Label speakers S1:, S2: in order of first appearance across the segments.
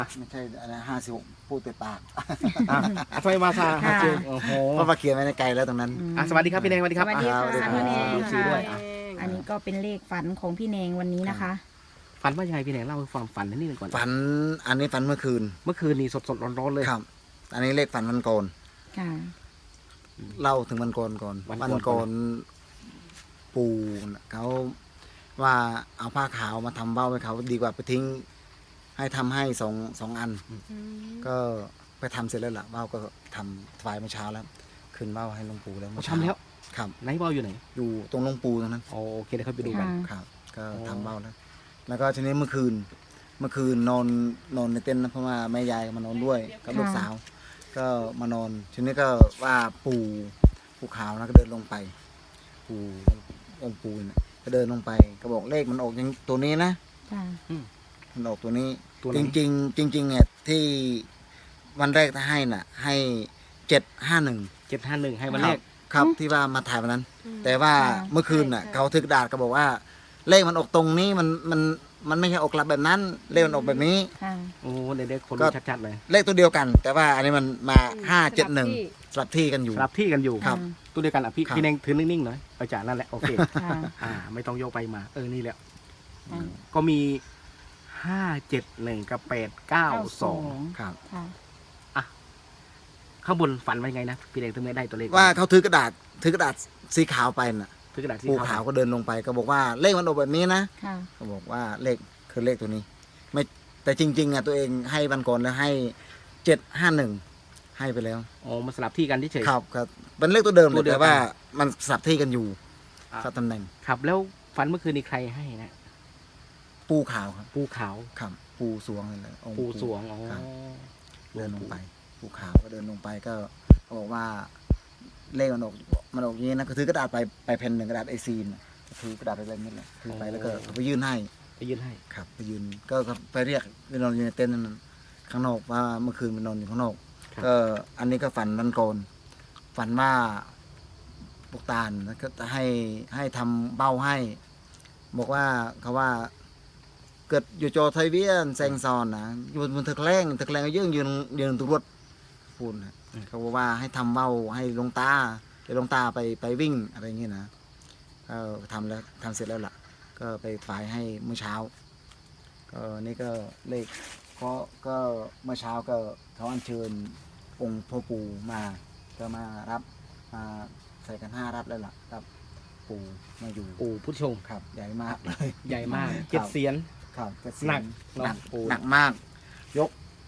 S1: ไม่ใช่อะไร56พูดแต่ปาก
S2: ทำไมมาซาเจอโอ้โห
S1: เพราะมาเขียนไว้ในไกลแล้วตรงนั้น
S2: สวัสดีครับพี่แดงสวัสดีครับ
S3: สวัสดีค่ะ
S1: พี่แนง
S2: พี่ด้วยอ่ะ
S3: อันนี้ก็เป็นเลขฝันของพี่แนงวันนี้นะคะ
S2: ฝันว่ายังไงพี่แดงเล่าให้ฟังฝันนิดนึงก่อน
S1: ฝันอันนี้ฝันเมื่อคืน
S2: เมื่อคืนนี้สดๆร้อนๆเลย
S1: ครับ อันนี้เลขฝันวันก่อน
S3: ค่ะ
S1: เล่าถึงวันก่อนก่อน
S2: วันก่อน
S1: ปู่น่ะเขาว่าเอาผ้าขาวมาทำเบ้าให้เขาดีกว่าไปทิ้ง ให้ทำให้สองอัน ก็ไปทำเสร็จแล้วล่ะเบ้าก็ทำถวายเมื่อเช้าแล้วขึ้นเบ้าให้หลวงปู่แล้วเมื่อเช้า
S2: ทำแล้ว
S1: ครับ
S2: ไหนเบาอยู่ไหน
S1: อยู่ตรงหลวงปู่ตรงนั้น
S2: โอเคเดี๋ยวเขาไปดูกัน
S3: ค่ะ
S1: ครับ ก็
S2: อ๋อ
S1: ทำเบ้าแล้ว แล้วก็ทีนี้เมื่อคืนนอนในเต็นท์นะเพราะว่าแม่ยายมานอนด้วยกับลูกสาว ก็มานอนทีนี้ก็ว่าปู่ขาวนะก็เดินลงไป ปู่องค์ปู่น่ะก็เดินลงไปก็บอกเลขมันออกอย่างตัวนี้นะ
S3: ค่ะ
S1: มันออกตัวนี้
S2: ตัวไหน
S1: จริงเนี่ยที่วันแรกที่ให้น่ะ ให้751
S2: 751ให้วันแรก
S1: ครับที่ว่ามาถ่ายวันนั้น แต่ว่า
S3: ค่ะ
S1: เมื่อคืนน่ะเขาถือกระดาษก็บอกว่า เลขมันออกตรงนี้มันไม่ใช่ออกกลับแบบนั้น เลขมันออกแบบนี้
S3: ค่ะ
S2: โอ้เด็กๆคน
S1: ก็
S2: รู้ชัดๆเลย
S1: เลขตัวเดียวกัน แต่ว่าอันนี้มันมา571สลับที่กันอยู่
S2: สลับที่กันอยู่
S1: ครับ
S2: ตัวเดียวกันอ่ะพี่
S1: ครับ
S2: พี่แดงถือนิ่งๆหน่อยเอาจากนั่นแหละโอเค
S3: ค่ะ
S2: ไม่ต้องโยกไปมานี่แหละ
S3: อืม
S2: ก็มี571กับ892
S1: ครับ
S3: ค่ะ
S2: ข้างบนฝันว่ายังไงนะพี่แดงถึงไม่ได้ตัวเลข
S1: ว่าเขาถือกระดาษสีขาวไปน่ะ
S2: ถือกระดาษสี
S1: ปู่ขาวก็เดินลงไปก็บอกว่าเลขมันออกแบบนี้นะ
S3: ค่ะ
S1: ก็บอกว่าเลขคือเลขตัวนี้ ไม่แต่จริงๆอ่ะตัวเองให้วันก่อนแล้วให้751ให้ไปแล้ว
S2: อ๋อมาสลับที่กันเฉยๆ
S1: ครับเป็นเลขตัวเดิมเล
S2: ตั
S1: ยว
S2: เดียวกัน
S1: แต่ว่ามันสลับที่กันอยู่
S2: อ่ะ
S1: สลับตำแหน่ง
S2: ครับแล้วฝันเมื่อคืนนี้ใครให้นะ
S1: ปูขาวครับ
S2: ปูขาว
S1: ครับปูสวงเลยเลยองค์
S2: ปูสวงอ๋อ
S1: ครับเดินลงไปปูขาวก็เดินลงไปก็บอกว่าเลขมันออกอย่างนี้นะก็ถือกระดาษไปแผ่นหนึ่งกระดาษไอซีนน่ะถือกระดาษไปแบบนี้แหละถือไปแล้วก็ไปยื่นให้
S2: ไปยื่นให้
S1: ครับไปยืนก็ไปเรียกไปนอนอยู่ในเต็นท์นั้นข้างนอกว่าเมื่อคืนไปนอนอยู่ข้างนอกก็อันนี้ก็ฝันวันก่อนฝันว่าปกตาลแล้วก็จะให้ทำเบ้าให้ บอกว่าเขาว่าเกิดอยู่จอไทยเวียนแซงซอนนะอยู่บนตะแคงก็ยืนตรวจพูดนะเขาบอกว่าให้ทำเบ้าให้หลวงตาเดี๋ยวหลวงตาไปวิ่งอะไรอย่างเงี้ยนะก็ทำเสร็จแล้วล่ะ ก็ไปฝ่ายให้เมื่อเช้าก็นี่ก็เลขก็เมื่อเช้าก็เขาอัญเชิญองค์พ่อปู่มาก็มารับมาใส่กัน5รับแล้วล่ะรับปู่มาอยู่
S2: ปูผู้ชม
S1: ครับใหญ่มากเลย
S2: ใหญ่มาก
S1: ครับ
S2: 7 เสียน
S1: ครับก็
S2: หนัก
S1: หนัก
S2: เนอะปู่
S1: หนักมาก ยก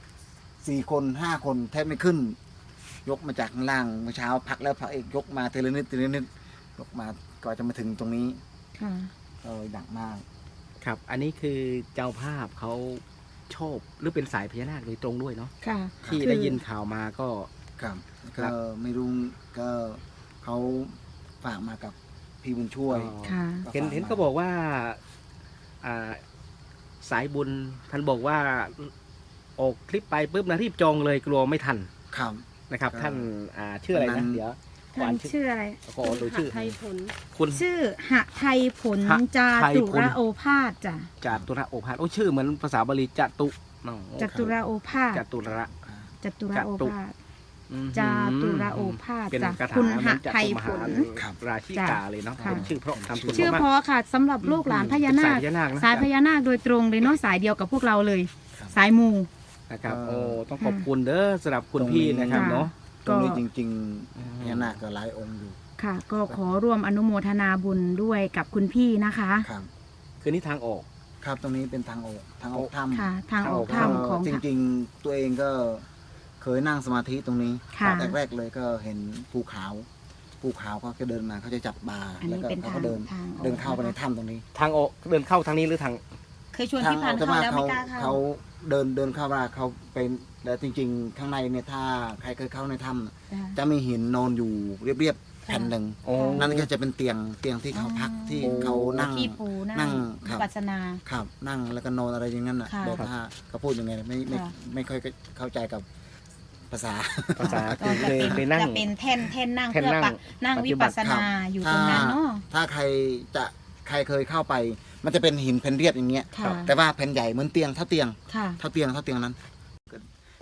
S1: 4 คน 5 คนแทบไม่ขึ้น ยกมาจากข้างล่างเมื่อเช้าพักแล้วพักอีกยกมาทีละนิดยกมาก็จะมาถึงตรงนี้
S3: ค่ะ
S1: หนักมาก
S2: ครับ อันนี้คือเจ้าภาพเขาชอบหรือเป็นสายพญานาคโดยตรงด้วยเนาะ
S3: ค่ะ
S2: ที่ได้ยินข่าวมาก็
S1: ครับ
S2: ครั
S1: ก็
S2: บ
S1: ไม่รู้ก็เขาฝากมากับพี่บุญช่วย
S3: ค่ะ
S2: เห็นเขาบอกว่าอ่าสายบุญท่านบอกว่าออกคลิปไปปุ๊บนะรีบจองเลยกลัวไม่ทัน
S1: ครับ
S2: นะครับ
S1: ครับ
S2: ท่านชื่ออะไร
S1: วั
S2: นะ
S1: นนั้น
S2: เดี๋ยว
S3: ท่านชื่ออะไร
S2: ขอดูชื่อ
S4: ไทยผล
S2: คุณ
S3: ชื่อหไทยผล
S2: ห
S3: จา
S2: ไทย
S3: ตุ
S2: ผล
S3: ระโอภาสจ้ะ
S2: จตุระโอภาสโอ้ชื่อเหมือนภาษาบาลีจตุอ๋อ
S3: จตุระโอภาส
S2: จตุระ
S3: จตุระโอภาส
S2: อืม
S3: จาตุระโอภาส
S2: เป็น
S3: จ้ะ
S2: คาถา
S3: คุณ
S2: เห
S3: ห
S2: มือนจ
S3: ไทย
S2: ตุม
S3: ผ
S2: หา
S3: ล
S1: ครับ
S2: ราชิกาเลยเนาะ
S3: ค่ะ
S2: เป็นชื่อเพราะทำคุณ
S3: ชื่อ
S2: มาก
S3: เพอค่ะสำหรับลูกหลานพญานาค
S2: เป็นสายพญานาคนะ
S3: สายพญานาคโดยตรงเลยเนาะสายเดียวกับพวกเราเลย
S1: ครับ
S3: สายมู
S2: นะครับ
S1: เออ
S2: โอ้ต้องขอบคุณเด้อสำหรับคุณพี่นะครับ
S3: ค่ะ
S2: เนาะ
S1: ตรงนี้
S3: ก็
S1: จริง
S2: อืม
S1: ๆพญานาคก็หลายองค์อยู่
S3: ค่ะ ก็ขอร่วมอนุโมทนาบุญด้วยกับคุณพี่นะคะ
S1: ครับ
S2: คือนี่ทางออก
S1: ครับตรงนี้เป็นทางออกถ้ำ
S3: ค่ะ ทางออก
S2: ทางออก
S3: ถ้ำของ
S1: จริงๆ ตัวเองก็เคยนั่งสมาธิตรงนี้
S3: ค่ะ
S1: แรกๆเลยก็เห็นภูเขาก็จะเดินมาเขาจะจับบา
S3: อัน
S1: แล้ว
S3: นี้
S1: ก็
S3: เป็น
S1: เขา
S3: ทาง
S1: ก็เดิน
S3: ทางออก
S1: เดินเข้าไปในถ้ำตรงนี้
S2: ทางออกเดินเข้าทางนี้หรือทาง
S3: เคยชวนพี่พันธุ์เข้าแล้วไม่กล้าเข้า
S1: เขาเดินเข้ามาเขาเป็นแล้วจริง ๆ ข้างในเนี่ยถ้าใครเคยเข้าในถ้ำจะมีหินนอนอยู่เรียบๆแผ่นหนึ่ง
S2: โอ้
S1: นั่นก็จะเป็นเตียงที่เขาพักที่เขานั่ง
S3: ที่ปู
S1: นั่
S3: นั่ง
S1: งครับ
S3: ปัสนา
S1: ครับนั่งแล้วก็นอนอะไรอย่างนั้นอ่ะ
S3: ค่ะ
S1: แบบถ้าเขาพูดยังไงไม่
S3: ค่ะ
S1: ไม่ค่อยเข้าใจกับภาษา
S2: ภาษา
S3: ก็
S2: คือ
S3: จะ
S2: เคยนั่ง
S3: จะเป็นแท่นนั่ง
S2: แท่น
S3: เพื่อ
S2: นั่ง
S3: นั่ง
S2: ปฏิ
S3: วิ
S2: บั
S3: ปั
S2: ติ
S3: สนาอยู่ตรงนั้นเนาะ
S1: ถ้าใครเคยเข้าไป มันจะเป็นหินแผ่นเรียบอย่างเงี้ย
S3: ค่ะ
S1: แต่ว่าแผ่นใหญ่เหมือนเตียงเท่าเตียง
S3: ค่ะ
S1: นั้น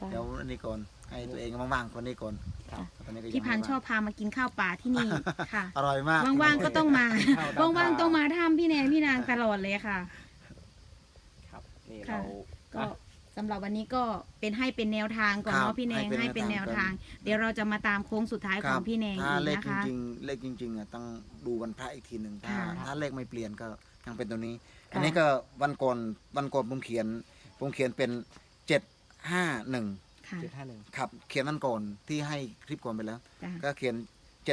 S3: จ้ะ
S1: เดี๋ยวอันนี้ก่อนให้ตัวเองว่างๆคนนี้ก่อน
S2: ครับ
S1: ตอนนี้ก็ยัง
S3: พี่พันธุ์
S1: ไม่
S3: ชอบพามากินข้าวป่าที่นี่ค่ะ
S1: อร่อยมาก
S3: ว่างๆก็ต้องมา
S2: ข้าวดำ
S3: ว่างๆต้องมาถ้ำพี่แนนพี่นางตลอดเลยค่ะ
S2: ครับนี่
S3: ค่ะ
S2: เรา
S3: ก็สำหรับวันนี้ก็เป็นแนวทางก่อน
S1: ครับ
S3: เนาะพี่แนงให้เป็นแนวทาง เดี๋ยวเราจะมาตามโค้งสุดท้ายของพี่แนง
S1: ถ้า
S3: อีก
S1: เลข
S3: นะ
S1: จ
S3: คะ
S1: ริงๆเลขจริงๆอ่ะต้องดูวันพระอีกทีหนึ่งถ้า
S3: ค่ะ
S1: ถ้าเลขไม่เปลี่ยนก็ยังเป็นตัวนี้
S3: ค่ะ
S1: อันนี้ก็วันก่อนผมเขียนเป็น751
S3: ค่ะ
S2: 751
S1: ครับเขียนวันก่อนที่ให้คลิปก่อนไปแล้ว
S3: จ้ะ
S1: ก็เขียน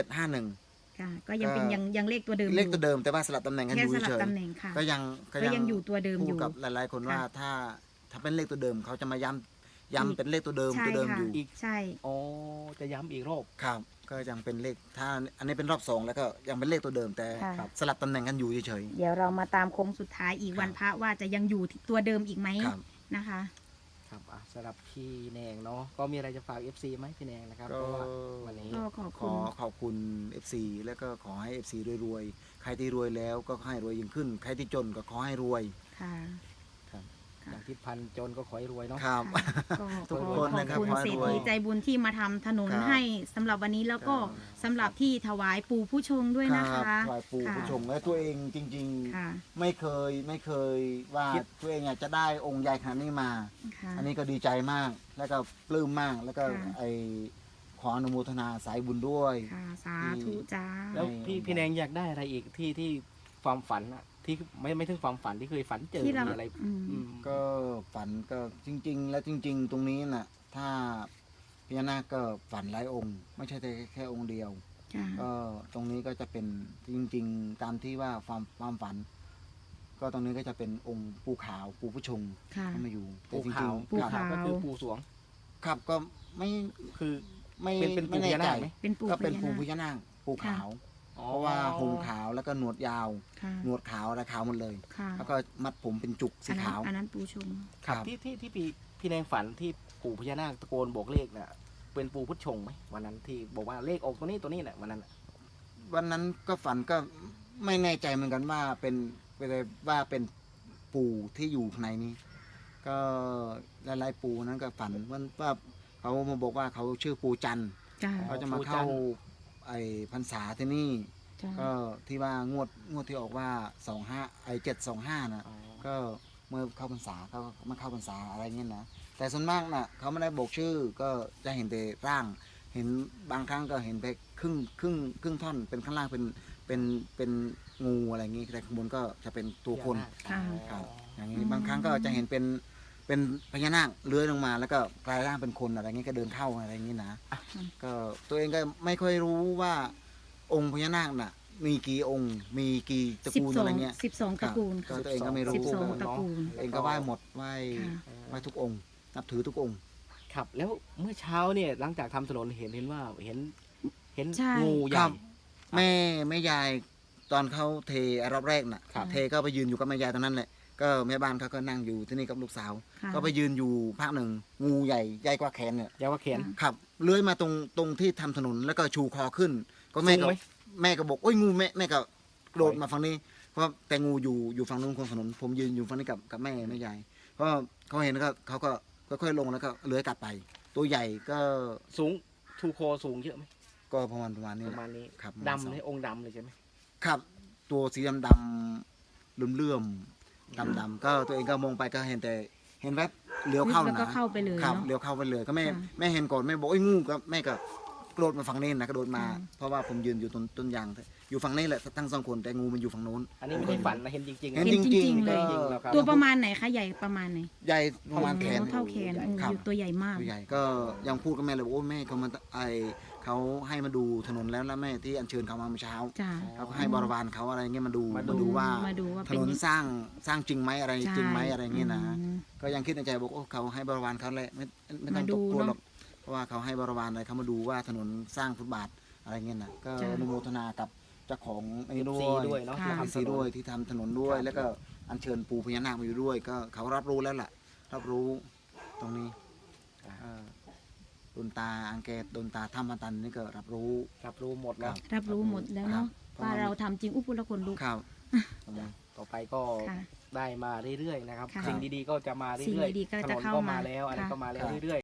S1: 751
S3: ค่ะก็ยังเป็น
S1: ก็
S3: ยังเลขตัวเดิม
S1: เลขตัวเดิมแต่ว่าสลับตำแหน่งกันอ
S3: แค่
S1: ยู่
S3: สลับ
S1: เฉย
S3: ตำแหน่งค่ะ
S1: ก็ยัง
S3: ก็ยังอยู่ตัวเดิม
S1: พู
S3: อ
S1: ด
S3: ยู่
S1: กับหลายๆคนว่า
S3: ค่ะ
S1: ถ้าเป็นเลขตัวเดิมเขาจะมาย้ำเป็นเลขตัวเดิม
S3: ใช่
S1: ตัวเดิม
S3: ค่ะ
S1: อยู่
S3: ใช่
S2: โอ้จะย้ำอีกรอบ
S1: ครับก็ยังเป็นเลขถ้าอันนี้เป็นรอบ2แล้วก็ยังเป็นเลขตัวเดิมแต่
S3: ค่ะ
S2: ครับ
S1: สลับตำแหน่งกันอยู่เฉย
S3: เดี๋ยวเรามาตามโค้งสุดท้ายอีกวันพระว่าจะยังอยู่ที่ตัวเดิมอีกไหม
S1: ๆครับ
S3: นะคะ
S2: ครับสำหรับพี่แนงเนาะก็มีอะไรจะฝาก FC ไหมพี่แนงนะครับ
S1: ก็
S2: เพราะว่าวันนี้
S3: ก็ขอบ
S1: ข
S3: คุ
S1: อ
S3: ณ
S1: ขอบคุณ FC แล้วก็ขอให้ FC รวยๆใครที่รวยแล้วก็ให้รวยยิ่งขึ้น ใครที่จนก็ขอให้รวย
S3: ค่ะ
S1: ครับ
S2: อย่างทิศพันธ์จนก็ขอให้รวยเนาะ
S1: ครับ
S3: ก็
S1: ทุก
S3: ขอ
S1: คน
S3: ขอบ
S1: นะครับ
S3: คุณ
S1: ขอให้
S3: เศรษ
S1: รวย
S3: ฐีใจบุญที่มาทำถนน
S1: ครับ
S3: ให้สำหรับวันนี้แล้วก็
S1: ครับ
S3: สำหรับที่ถวายปู่ผู้ชงด้วยนะ
S1: ครั
S3: คะ
S1: บถวายปู่
S3: ค่ะ
S1: ผู้ชมและตัวเองจริง
S3: ค่ะ
S1: ๆ ไม่เคยว่า
S2: คิด
S1: ตัวเองอยากจะได้องค์ใหญ่ขนาดนี้มา
S3: ค่ะ
S1: อันนี้ก็ดีใจมากแล้วก็ปลื้มมากแล้วก็
S3: ค่ะ
S1: ไอขออนุโมทนาสายบุญด้วย
S3: ค่ะสาธุจ้า
S2: แล้วพี่แนงอยากได้อะไรอีกที่ความฝันอะที่ไม่ถึงความฝันที่เคยฝันเจอ
S3: ที่เรา
S2: มีอะไร
S3: อืม
S2: อืม
S1: ก็ฝันก็จริง ๆ แล้วจริง ๆ ตรงนี้น่ะถ้าพญานาคก็ฝันหลายองค์ ไม่ใช่แค่องค์เดียว
S3: จ้า
S1: ก็ตรงนี้ก็จะเป็นจริง ๆ ตามที่ว่าความฝัน ก็ตรงนี้ก็จะเป็นองค์ปูขาวปูผู้ชง
S3: ค่ะ
S1: เข้ามาอยู่แต่
S2: ปู
S1: จริ
S2: ขาง ว
S1: ๆ
S3: ปู
S1: ครับ
S3: ขาว
S2: ก็คือปูสวง
S1: ครับก็ไม่
S2: คือ
S1: ไม่
S2: เป็นปู
S1: ไม่
S2: พ
S1: แน่
S2: ญา
S1: ใจ
S2: นาคไหม
S3: เป็นปู่
S1: ก็เป็น
S3: พญา
S1: ปู
S3: นาค
S1: พญานาคปูขาว
S2: อ๋อ
S1: เพราะว่าหงขาวแล้วก็หนวดยาว
S3: ค่ะ
S1: หนวดขาวอะไรขาวหมดเลย
S3: ค่ะ
S1: แล้วก็มัดผมเป็นจุกสีขาว
S3: อันนั้นปูชง
S2: ครับที่พี่แนงฝันที่ปู่พญานาคตะโกนบอกเลขน่ะเป็นปู่พุทธชงไหมวันนั้นที่บอกว่าเลขออกตัวนี้แหละวันนั้นน่ะ
S1: วันนั้นก็ฝันก็ไม่แน่ใจเหมือนกันว่าว่าเป็นปู่ที่อยู่ข้างในนี้ ก็หลายๆปู่นั้นก็ฝันว่าเขามาบอกว่าเขาชื่อปู่จันทร์
S3: จ้า
S1: เขาจะมาเข้าไอ้พรรษาที่นี่
S3: จ้า
S1: ก็ที่ว่างวดที่ออกว่า725นะ
S2: อ๋อ
S1: ก็เมื่อเข้าพรรษาเขามาเข้าพรรษาอะไรเงี้ยนะแต่ส่วนมากน่ะเขาไม่ได้บอกชื่อก็จะเห็นแต่ร่าง เห็นบางครั้งก็เห็นไปครึ่งท่อนเป็นข้างล่างเป็นงูอะไรอย่างงี้แต่ข้างบนก็จะเป็นตัวคน
S3: ค่ะ
S1: ครับอย่างนี้บางครั้งก็จะเห็นเป็นพญานาคเลื้อยลงมา แล้วก็กลายร่างเป็นคนอะไรเงี้ยก็เดินเข้าอะไรอย่างงี้นะก็ตัวเองก็ไม่ค่อยรู้ว่าองค์พญานาคน่ะ มีกี่องค์มีกี่ตระกูลอะไรเงี้ย
S3: 12ตระกูล
S1: ก็
S3: ค่ะ
S1: ตัวเองก็ไม่รู้
S3: 12ตระกูล
S1: เองก็ไหว้หมดไหว้
S3: ค่ะ
S1: ไหว้ทุกองค์ นับถือทุกองค์
S2: ครับแล้วเมื่อเช้าเนี่ยหลังจากทำถนนเห็นว่าเห็น
S3: ใช่
S2: งูให
S1: ครั
S2: ญ่
S1: บ แม่ยายตอนเขาเทรอบแรกน่ะ
S2: ครับ
S1: เทก็ไปยืนอยู่กับแม่ยายตรงนั้นแหละก็แม่บ้านเขาก็นั่งอยู่ที่นี่กับลูกสาว
S3: ค่ะ
S1: ก็ไปยืนอยู่พักหนึ่งงูใหญ่กว่าแขนเนี่ย
S2: ยาวว่าเขียน
S1: ขับเลื้อยมาตรงที่ทำถนนแล้วก็ชูคอขึ้น ก็แม่
S2: สู
S1: ก็
S2: งไหม
S1: แม่ก็บอกโอ้ยงูแม่ก็กระโดดมาฝั่งนี้เพราะแต่งูอยู่ฝั่งนู้นของถนนผมยืนอยู่ฝั่งนี้กับแม่ยายเพราะเขาเห็นแล้วก็เขาก็ค่อยๆลงแล้วก็เลื้อยกลับไป ตัวใหญ่ก็
S2: สูงทูโคสูงเยอะไหม
S1: ก็ประมาณนี้
S2: ประมาณนี้
S1: ครับ
S2: ดำเลยองค์ดำเลยใช่ไหม
S1: ครับตัวสีดำเลื่อมดำก็ตัวเองก็มองไปก็เห็นแต่เห็นแวบเลี้ยวเข้า
S3: แล้วก็
S1: นะ
S3: เข้าไปเลย
S1: ครับ
S3: เนาะ
S1: เลี้ยวเข้าไปเลยก็แม่
S3: ค่ะ
S1: แม่เห็นก่อนแม่บอกโอ้ยงูก็แม่ก็กระโดดมาฝั่งนี้นะกระโดดมา
S3: ค่ะ
S1: เพราะว่าผมยืนอยู่ต้นยางอยู่ฝั่งนี้แหละทั้งสองคนแต่งูมันอยู่ฝั่งโน้น
S2: อันนี้ไม่ได้ฝันนะเห็นจริงๆ
S1: เห็น
S3: เห็น
S1: จ
S3: จ
S1: ริ
S3: ริ
S1: ง
S3: ง
S1: ๆ
S3: ๆเลย
S1: ก็
S2: แล้วครับ
S3: ตัวประมาณไหนคะใหญ่ประมาณไหน
S1: ใหญ่ประมาณแขน
S3: เท่าแขน
S1: ครับ
S3: ตัวใหญ่มาก
S1: ตัวใหญ่ก็ยังพูดกับแม่เลยว่าโอ้ยแม่เขามาเขาให้มาดูถนนแล้วแม่ที่อัญเชิญเขามาเมื่อเช้า
S3: จ้า
S1: เขาก็ให้บริวารเขาอะไรเงี้ยมาดู
S2: มา
S1: มาดูว่า
S3: มาดูว่า
S1: ถ
S3: เป็น
S1: นนสร้างจริงไหมอะไร
S3: ใช่
S1: จริงไหมอะไรเงี้ยนะ
S3: อืม
S1: ก็ยังคิดในใจบอกโอ้เขาให้บริวารเขาแหละไม่ต้อง
S3: มาดู
S1: ตกกลัว
S3: เนอะ
S1: หรอกเพราะว่าเขาให้บริวารอะไรเขามาดูว่าถนนสร้างฟุตบาทอะไรเงี้ยนะก็
S3: จ้ะ
S1: อนุโมทนากับเจ้าของไอ้นี่ด้
S2: ซี
S1: วย
S2: ด้วยเนาะ
S3: ค่ะ
S2: ที่
S1: ทำ
S2: ทำ
S1: ซี
S2: ถนน
S1: ด้วยที่ทำถนนด้วย
S2: ครับ
S1: แล้วก็อัญเชิญปู่พญานาคมาอยู่ด้วย ก็เขารับรู้แล้วล่ะ รับรู้ตรงนี้ดนตาอังเกตดนตาถ้ำมันตันนี่ก็รับรู้
S2: รับรู้หมดแล้ว
S3: รับรู้หมดแล้วเนาะ
S1: ครับ
S3: ว่าเราทำจริงอุปุละคนลุก
S1: ครับ
S2: ต่อไปก็
S3: ค่ะ
S2: ได้มาเรื่อยๆนะครับ
S3: ค่ะ
S2: สิ่งดีๆก็จะมาเรื่อย
S3: สิ่งดีๆก็
S2: ถ
S3: จะ
S2: นน
S3: เข้า
S2: ก็
S3: มา
S2: มาแล้วอะไร
S3: ค่ะ
S2: ก็มาแล้วเรื่อยๆ